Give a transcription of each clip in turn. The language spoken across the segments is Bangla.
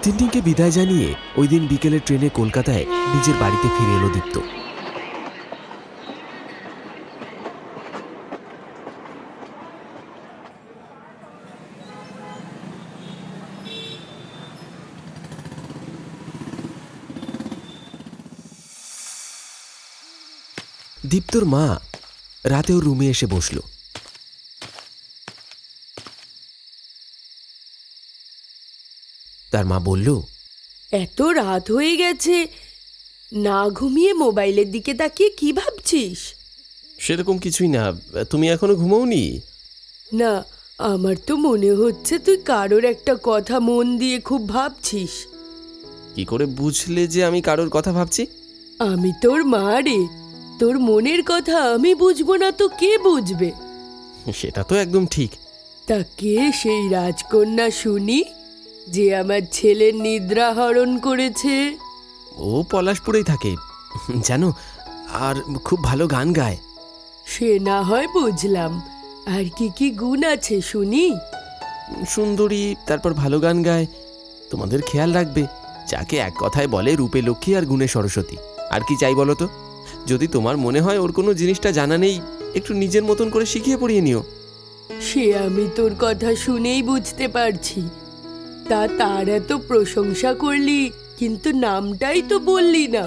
তিন্নিকে বিদায় জানিয়ে ওই দিন বিকেলের ট্রেনে কলকাতায় নিজের বাড়িতে ফিরে এলো দীপ্ত। দীপ্তর মা রাতে ওর রুমে এসে বসল। তার মা বলল, এত রাত হয়ে গেছে, না ঘুমিয়ে মোবাইলের দিকে তাকিয়ে কি ভাবছিস? সেরকম কিছুই না, তুমি এখনো ঘুমোওনি? না, আমার তো মনে হচ্ছে তুই কারোর একটা কথা মন দিয়ে খুব ভাবছিস। কি করে বুঝলে যে আমি কারোর কথা ভাবছি? আমি তোর মা রে, তোর মনের কথা আমি বুঝবো না তো কে বুঝবে? সেটা তো একদম ঠিক। তা কে সেই রাজকন্যা শুনি যে আমার ছেলের নিদ্রা হরণ করেছে? ও পলাশপুরেই থাকে জানো, আর খুব ভালো গান গায়। সে না হয় বুঝলাম, আর কি কি গুণ আছে শুনি? সুন্দরী, তারপর ভালো গান গায়, তোমাদের খেয়াল রাখবে, যাকে এক কথায় বলে রূপে লক্ষ্মী আর গুণে সরস্বতী। আর কি চাই বলো তো? যদি তোমার মনে হয় ওর কোনো জিনিসটা জানা নেই, একটু নিজের মতন করে শিখিয়ে পড়িয়ে নিও। সে আমি তোর কথা শুনেই বুঝতে পারছি। তার এত প্রশংসা করলি, কিন্তু নামটাই তো বললি না।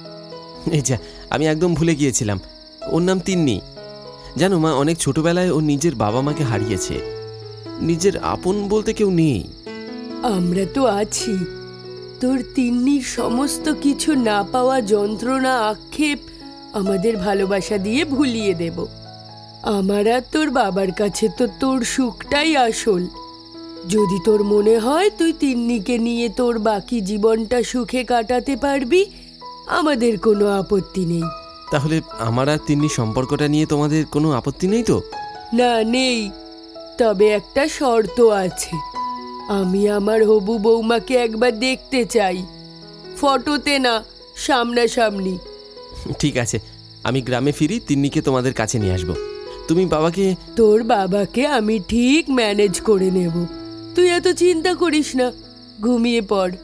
এই যা, আমি একদম ভুলে গিয়েছিলাম, ওর নাম তিন্নি। জানো মা, অনেক ছোটবেলায় ও নিজের বাবা মাকে হারিয়েছে, নিজের আপন বলতে কেউ নেই। আমরা তো আছি। তোর তিন্নির সমস্ত কিছু না পাওয়া যন্ত্রণা আক্ষেপ আমাদের ভালোবাসা দিয়ে ভুলিয়ে দেব। আমার আর তোর বাবার কাছে তো তোর সুখটাই আসল। যদি তোর মনে হয় তুই তিন্নিকে নিয়ে তোর বাকি জীবনটা সুখে কাটাতে পারবি, আমাদের কোনো আপত্তি নেই। তাহলে আমার আর তিন্নি সম্পর্কটা নিয়ে তোমাদের কোনো আপত্তি নেই তো? না, নেই। তবে একটা শর্ত আছে, আমি আমার হবু বৌমাকে একবার দেখতে চাই, ফটোতে না, সামনাসামনি। ঠিক আছে, আমি গ্রামে ফিরি, তিন্নিকে তোমাদের কাছে নিয়ে আসবো। তুমি বাবাকে... তোর বাবাকে আমি ঠিক ম্যানেজ করে নেব, তুই এত চিন্তা করিস না, ঘুমিয়ে পড়।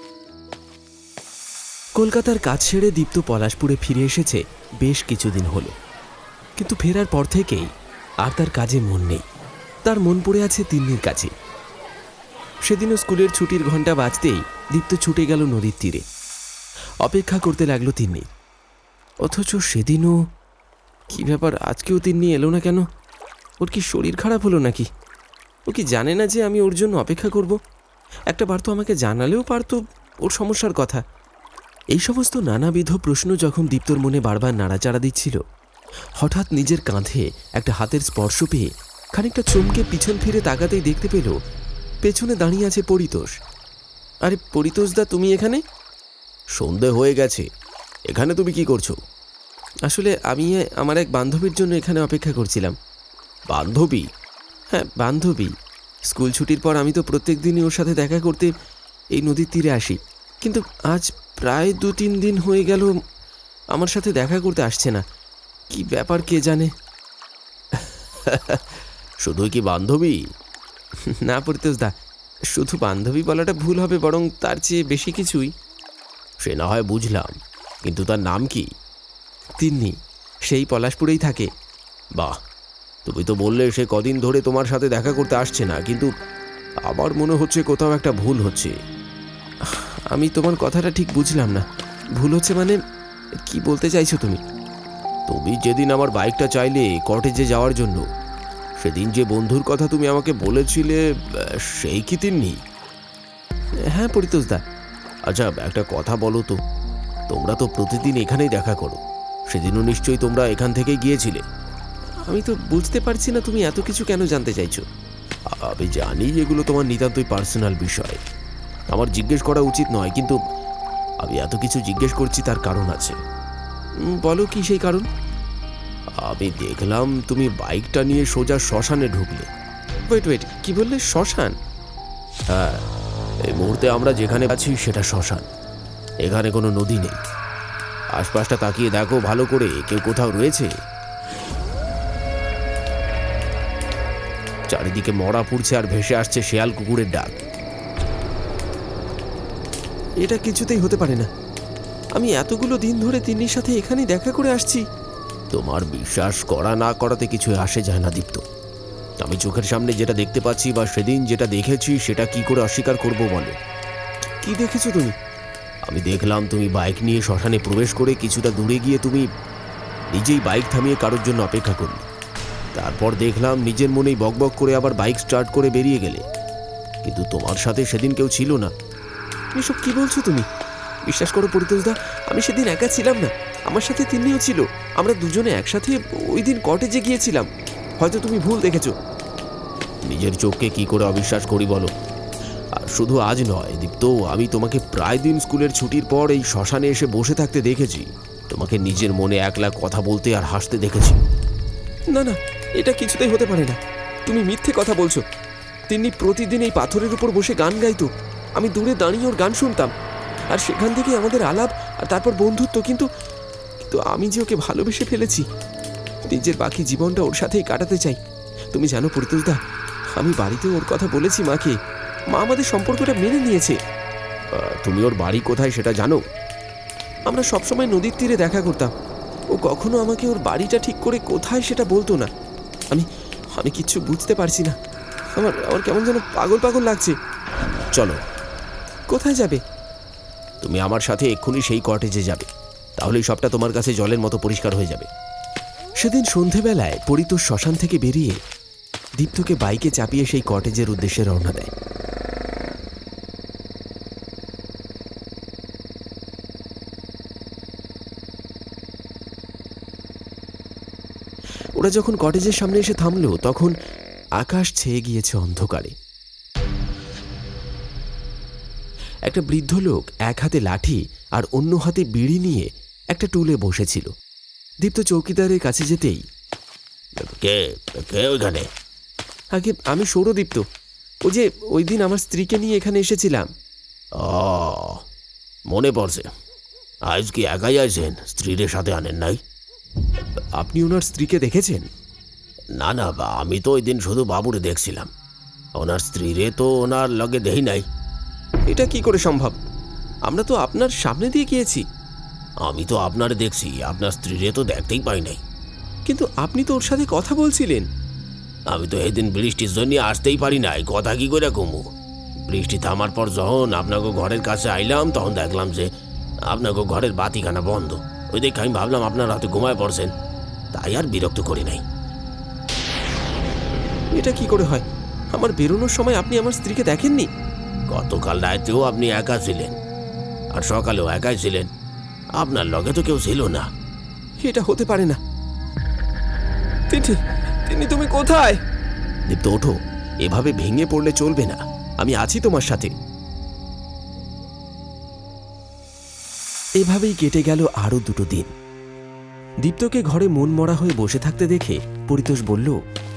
কলকাতার কাজ সেরে দীপ্ত পলাশপুরে ফিরে এসেছে বেশ কিছুদিন হলো, কিন্তু ফেরার পর থেকেই আর তার কাজে মন নেই। তার মন পড়ে আছে তিন্নির কাছে। সেদিনও স্কুলের ছুটির ঘন্টা বাজতেই দীপ্ত ছুটে গেল নদীর তীরে। অপেক্ষা করতে লাগলো তিন্নি। অথচ সেদিনও কি ব্যাপার, আজকেও তিন্নি এলো না কেন? ওর কি শরীর খারাপ হলো নাকি? ও কি জানে না যে আমি ওর জন্য অপেক্ষা করব? একটা বার তো আমাকে জানালেও পারতো ওর সমস্যার কথা। এই সমস্ত নানাবিধ প্রশ্ন যখন দীপ্তর মনে বারবার নাড়াচাড়া দিচ্ছিল, হঠাৎ নিজের কাঁধে একটা হাতের স্পর্শ পেয়ে খানিকটা চমকে পিছন ফিরে তাকাতেই দেখতে পেল পেছনে দাঁড়িয়ে আছে পরিতোষ। আরে পরিতোষদা, তুমি এখানে? সন্ধে হয়ে গেছে, এখানে তুমি কি করছো? আসলে আমি আমার এক বান্ধবীর জন্য এখানে অপেক্ষা করছিলাম। বান্ধবী? হ্যাঁ, বান্ধবী। স্কুল ছুটির পর আমি তো প্রত্যেক দিনই ওর সাথে দেখা করতে এই নদীর তীরে আসি, কিন্তু আজ প্রায় 2-3 দিন হয়ে গেল আমার সাথে দেখা করতে আসছে না। কি ব্যাপার কে জানে। শুধুই কি বান্ধবী? না পরিতোষদা, শুধু বান্ধবী বলাটা ভুল হবে, বরং তার চেয়ে বেশি কিছুই। সে না হয় বুঝলাম, কিন্তু তার নাম কি? তিন্নি, সেই পলাশপুরেই থাকে। বাহ, তুমি তো বললে সে কদিন ধরে তোমার সাথে দেখা করতে আসছে না, কিন্তু আমার মনে হচ্ছে কোথাও একটা ভুল হচ্ছে। আমি তোমার কথাটা ঠিক বুঝলাম না। ভুল হচ্ছে মানে কি বলতে চাইছো তুমি? তুমি যেদিন আমার বাইকটা চাইলে কটেজে যাওয়ার জন্য, সেদিন যে বন্ধুর কথা তুমি আমাকে বলেছিলে, সেই কি তিন্নি? হ্যাঁ পরিতোষদা। আচ্ছা, একটা কথা বলো তো, তোমরা তো প্রতিদিন এখানেই দেখা করো, সেদিনও নিশ্চয়ই তোমরা এখান থেকেই গিয়েছিলে। আমি তো বুঝতে পারছি না তুমি এত কিছু কেন জানতে চাইছো। আমি জানি এগুলো তোমার নিতান্তই পার্সোনাল বিষয়, আমার জিজ্ঞেস করা উচিত নয়, কিন্তু আমি এত কিছু জিজ্ঞেস করছি তার কারণ আছে। বলো কি সেই কারণ? আমি দেখলাম তুমি বাইকটা নিয়ে সোজা শ্মশানে ঢুকলে। ওয়েট, কি বললে? শ্মশান? হ্যাঁ, এই মুহূর্তে আমরা যেখানে আছি সেটা শ্মশান। এখানে কোনো নদী নেই। আশপাশটা তাকিয়ে দেখো ভালো করে, কেউ কোথাও রয়েছে? চারিদিকে মরা পুড়ছে আর ভেসে আসছে শেয়াল কুকুরের ডাক। এটা কিছুতেই হতে পারে না। আমি এতগুলো দিন ধরে তিন্নির সাথে এখানেই দেখা করে আসছি। তোমার বিশ্বাস করা না করাতে কিছু আসে যায় না দীপ্ত। আমি চোখের সামনে যেটা দেখতে পাচ্ছি বা সেদিন যেটা দেখেছি সেটা কি করে অস্বীকার করব বলো? কি দেখেছো তুমি? আমি দেখলাম তুমি বাইক নিয়ে শ্মশানে প্রবেশ করে কিছুটা দূরে গিয়ে তুমি নিজেই বাইক থামিয়ে কারোর জন্য অপেক্ষা করলে। তারপর দেখলাম নিজের মনেই বকবক করে আবার বাইক স্টার্ট করে বেরিয়ে গেলে, কিন্তু তোমার সাথে সেদিন কেউ ছিল না। এসব কি বলছো তুমি? বিশ্বাস করো পরিতোষদা, আমি সেদিন একা ছিলাম না, আমার সাথে তিন্নিও ছিল। আমরা দুজনে একসাথে ওই দিন কটেজে গিয়েছিলাম। হয়তো তুমি ভুল দেখেছো। নিজের চোখকে কি করে অবিশ্বাস করি বলো? আর শুধু আজ নয় দীপ্ত, আমি তোমাকে প্রায় দিন স্কুলের ছুটির পর এই শ্মশানে এসে বসে থাকতে দেখেছি। তোমাকে নিজের মনে একলা কথা বলতে আর হাসতে দেখেছি। না না, এটা কিছুতেই হতে পারে না। তুমি মিথ্যে কথা বলছো। তিন্নি প্রতিদিন এই পাথরের উপর বসে গান গাইতো। আমি দূরে দাঁড়িয়ে ওর গান শুনতাম, আর সেখান থেকে আমাদের আলাপ আর তারপর বন্ধুত্ব। কিন্তু কিন্তু আমি যে ওকে ভালোবেসে ফেলেছি, নিজের বাকি জীবনটা ওর সাথেই কাটাতে চাই। তুমি জানো পরিতোষদা, আমি বাড়িতে ওর কথা বলেছি মাকে। মা আমাদের সম্পর্কটা মেনে নিয়েছে। তুমি ওর বাড়ি কোথায় সেটা জানো? আমরা সবসময় নদীর তীরে দেখা করতাম। ও কখনো আমাকে ওর বাড়িটা ঠিক করে কোথায় সেটা বলতো না। আমি আমি কিচ্ছু বুঝতে পারছি না। আমার আমার কেমন যেন পাগল পাগল লাগছে। চলো। কোথায় যাবে? তুমি আমার সাথে এক্ষুনি সেই কটেজে যাবে, তাহলেই সবটা তোমার কাছে জলের মতো পরিষ্কার হয়ে যাবে। সেদিন সন্ধেবেলায় পরিতোষ শ্মশান থেকে বেরিয়ে দীপ্তকে বাইকে চাপিয়ে সেই কটেজের উদ্দেশ্যে রওনা দেয়। ওরা যখন কটেজের সামনে এসে থামলো, তখন আকাশ ছেয়ে গিয়েছে অন্ধকারে। একটা বৃদ্ধ লোক এক হাতে লাঠি আর অন্য হাতে বিড়ি নিয়ে একটা টুলে বসেছিল। দীপ্ত চৌকিদারের কাছে যেতেই, কে কে ওইখানে? আগে আমি সৌরদীপ্ত। ও যে ওই দিন আমার স্ত্রীকে নিয়ে এখানে এসেছিলাম। ও, মনে পড়ছে। আজ কি একাই আছেন? স্ত্রীর সাথে আনেন নাই? আপনি ওনার স্ত্রীকে দেখেছেন? না না, আমি তো ওই দিন শুধু বাবুরে দেখছিলাম। ওনার স্ত্রীরে তো ওনার লগে দেই নাই। এটা কি করে সম্ভব? আমরা তো আপনার সামনে দিয়ে গিয়েছি। আমি তো আপনারে দেখছি, আপনার স্ত্রীরে তো দেখতেই পাই নাই। কিন্তু আপনি তো ওর সাথে কথা বলছিলেন। আমি তো এদিন বৃষ্টির জন্য আসতেই পারি নাই, কথা কি করে কমু। বৃষ্টি থামার পর যখন আপনাকে ঘরের কাছে আইলাম, তখন দেখলাম যে আপনাকে ঘরের বাতিখানা বন্ধ। ওই দেখে আমি ভাবলাম আপনার রাতে ঘুমায় পড়ছেন, তাই আর বিরক্ত করি নাই। এটা কি করে হয়? আমার বেরোনোর সময় আপনি আমার স্ত্রীকে দেখেননি? গতকাল রাতেও আপনি একা ছিলেন, আর সকালেও একাই ছিলেন। আপনার লগে তো কেউ ছিল না। এটা হতে পারে না। তিনি তুমি কোথায়? দীপ্ত ওঠো, এভাবে ভেঙে পড়লে চলবে না। আমি আছি তোমার সাথে। এভাবেই কেটে গেল আরো 2 দিন। দীপ্তকে ঘরে মন মরা হয়ে বসে থাকতে দেখে পরিতোষ বলল,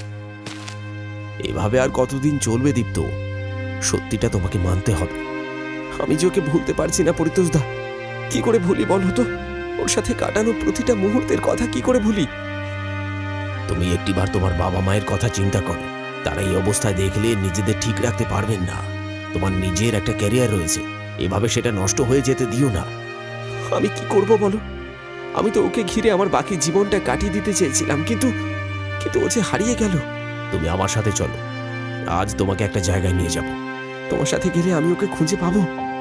এভাবে আর কতদিন চলবে দীপ্ত? সত্যিটা তোমাকে মানতে হবে। আমি যে ওকে ভুলতে পারছি না পরিতোষদা। কি করে ভুলি বলো তো? ওর সাথে কাটানো প্রতিটা মুহূর্তের কথা কি করে ভুলি? তুমি একটিবার তোমার বাবা মায়ের কথা চিন্তা করো। তারা এই অবস্থায় দেখলে নিজেদের ঠিক রাখতে পারবেন না। তোমার নিজের একটা ক্যারিয়ার রয়েছে, এভাবে সেটা নষ্ট হয়ে যেতে দিও না। আমি কি করব বলো? আমি তো ওকে ঘিরে আমার বাকি জীবনটা কাটিয়ে দিতে চেয়েছিলাম, কিন্তু কিন্তু ও যে হারিয়ে গেল। তুমি আমার সাথে চলো, আজ তোমাকে একটা জায়গায় নিয়ে যাব। তোমার সাথে গেলে আমি ওকে খুঁজে পাবো।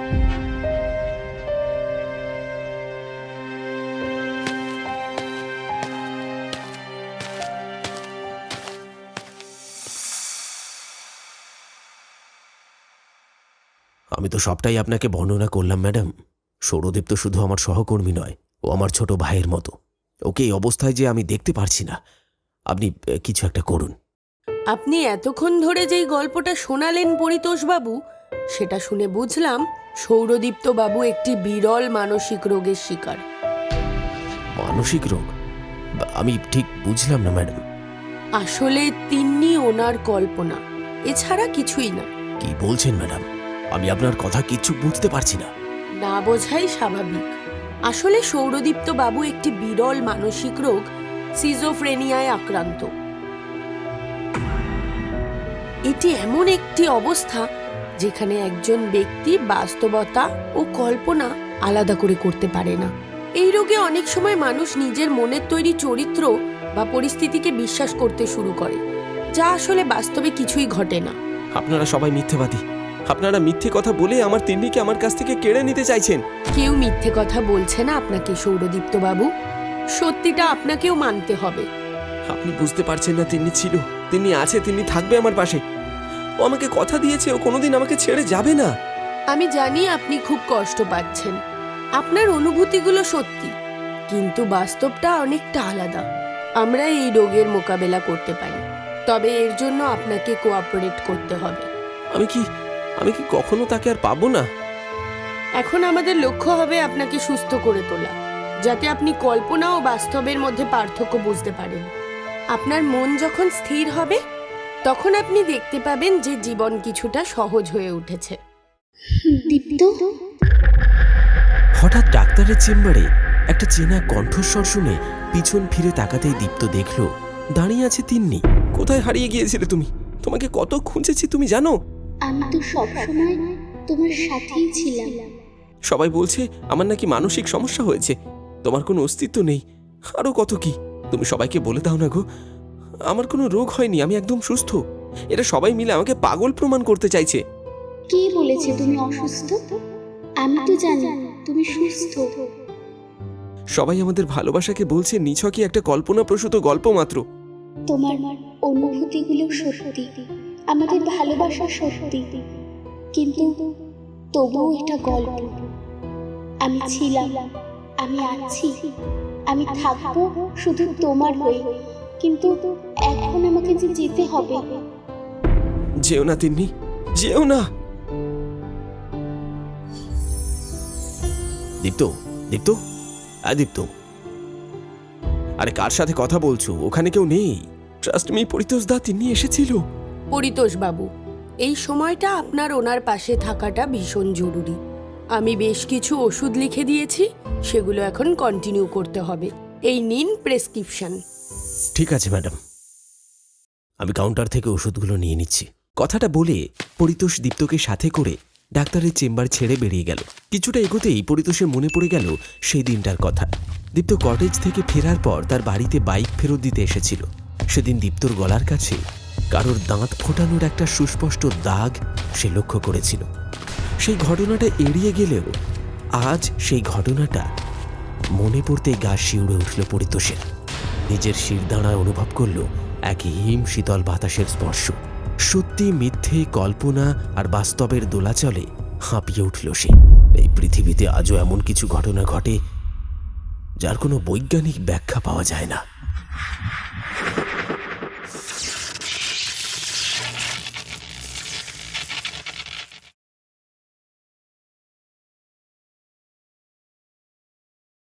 আমি তো সবটাই আপনাকে বর্ণনা করলাম ম্যাডাম। সৌরদীপ তো শুধু আমার সহকর্মী নয়, ও আমার ছোট ভাইয়ের মতো। ওকে এই অবস্থায় যে আমি দেখতে পারছি না। আপনি কিছু একটা করুন। আপনি এতক্ষণ ধরে যেই গল্পটা শোনালেন পরিতোষবাবু, সেটা শুনে বুঝলাম সৌরদীপ্ত বাবু একটি বিরল মানসিক রোগের শিকার। মানসিক রোগ? আমি ঠিক বুঝলাম না ম্যাডাম। আসলে তিন্নি ওনার কল্পনা, এছাড়া কিছুই না। কি বলছেন ম্যাডাম? আমি আপনার কথা কিচ্ছু বুঝতে পারছি না। না বোঝাই স্বাভাবিক। আসলে সৌরদীপ্ত বাবু একটি বিরল মানসিক রোগ সিজোফ্রেনিয়ায় আক্রান্ত। এটি এমন একটি অবস্থা যেখানে একজন ব্যক্তি বাস্তবতা ও কল্পনা আলাদা করে করতে পারে না। এই রোগে অনেক সময় মানুষ নিজের মনের তৈরি চরিত্র বা পরিস্থিতিকে বিশ্বাস করতে শুরু করে, যা আসলে বাস্তবে কিছুই ঘটে না। আপনারা সবাই মিথ্যেবাদী। আপনারা মিথ্যে কথা বলে আমার তিন্নিকে আমার কাছ থেকে কেড়ে নিতে চাইছেন। কেউ মিথ্যে কথা বলছে না আপনাকে সৌরদীপ্ত বাবু, সত্যিটা আপনাকেও মানতে হবে। আপনি বুঝতে পারছেন না, তিন্নি ছিল, তিন্নি আছে, তিন্নি থাকবে আমার পাশে। ও আমাকে কথা দিয়েছে ও কোনোদিন আমাকে ছেড়ে যাবে না। আমি জানি আপনি খুব কষ্ট পাচ্ছেন, আপনার অনুভূতিগুলো সত্যি, কিন্তু বাস্তবটা অনেকটা আলাদা। আমরা এই রোগের মোকাবেলা করতে পারি, তবে এর জন্য আপনাকে কোঅপারেট করতে হবে। আমি কি কখনো তাকে আর পাবো না? এখন আমাদের লক্ষ্য হবে আপনাকে সুস্থ করে তোলা, যাতে আপনি কল্পনা ও বাস্তবের মধ্যে পার্থক্য বুঝতে পারেন। আপনার মন যখন স্থির হবে, তখন আপনি দেখতে পাবেন যে জীবন কিছুটা সহজ হয়ে উঠেছে। দীপ্ত, হঠাৎ ডাক্তারের চেম্বারে একটা চেনা কণ্ঠস্বর শুনে পিছন ফিরে তাকাতেই দীপ্ত দেখল দাঁড়িয়ে আছে তিন্নি। কোথায় হারিয়ে গিয়েছিলে তুমি? তোমাকে কত খুঁজেছি তুমি জানো? আমি তো সবসময় তোমার সাথেই ছিলাম। সবাই বলছে আমার নাকি মানসিক সমস্যা হয়েছে, তোমার কোনো অস্তিত্ব নেই, আরো কত কি। তুমি সবাইকে বলে দাও না গো, আমার কোনো রোগ হয়নি, আমি একদম সুস্থ। এরা সবাই মিলে আমাকে পাগল প্রমাণ করতে চাইছে। কে বলেছে তুমি অসুস্থ? আমি তো জানি তুমি সুস্থ। সবাই আমাদের ভালোবাসাকে বলছে নিছকই একটা কল্পনাপ্রসূত গল্প মাত্র। তোমার অনুভূতিগুলো সত্যি, আমাদের ভালোবাসা সত্যি, কিন্তু তবুও এটা গল্প। আমি ছিলাম, আমি আছি, আমি থাকবো শুধু তোমার হয়ে, কিন্তু এখন আমাকে যে যেতে হবে। যেও না তিন্নি, যেও না। দীপ্ত, দীপ্ত, দীপ্ত, আরে কার সাথে কথা বলছো? ওখানে কেউ নেই। ট্রাস্ট মি, পরিতোষ দা তিন্নি এসেছিল। পরিতোষ বাবু, এই সময়টা আপনার ওনার পাশে থাকাটা ভীষণ জরুরি। আমি বেশ কিছু ওষুধ লিখে দিয়েছি, সেগুলো এখন কন্টিনিউ করতে হবে। এই নিন প্রেসক্রিপশন। ঠিক আছে ম্যাডাম, আমি কাউন্টার থেকে ওষুধগুলো নিয়ে নিচ্ছি। কথাটা বলে পরিতোষ দীপ্তকে সাথে করে ডাক্তারের চেম্বার ছেড়ে বেরিয়ে গেল। কিছুটা এগোতেই পরিতোষের মনে পড়ে গেল সেই দিনটার কথা। দীপ্ত কটেজ থেকে ফেরার পর তার বাড়িতে বাইক ফেরত দিতে এসেছিল। সেদিন দীপ্তর গলার কাছে কারোর দাঁত ফোটানোর একটা সুস্পষ্ট দাগ সে লক্ষ্য করেছিল। সেই ঘটনাটা এড়িয়ে গেলেও আজ সেই ঘটনাটা মনে পড়তে গা শিউড়ে উঠল পরিতোষের। নিজের শিরদাঁড়ায় অনুভব করল এক হিম শীতল বাতাসের স্পর্শ। সত্যি মিথ্যে, কল্পনা আর বাস্তবের দোলাচলে হাঁপিয়ে উঠল সে। এই পৃথিবীতে আজও এমন কিছু ঘটনা ঘটে যার কোনো বৈজ্ঞানিক ব্যাখ্যা পাওয়া যায় না।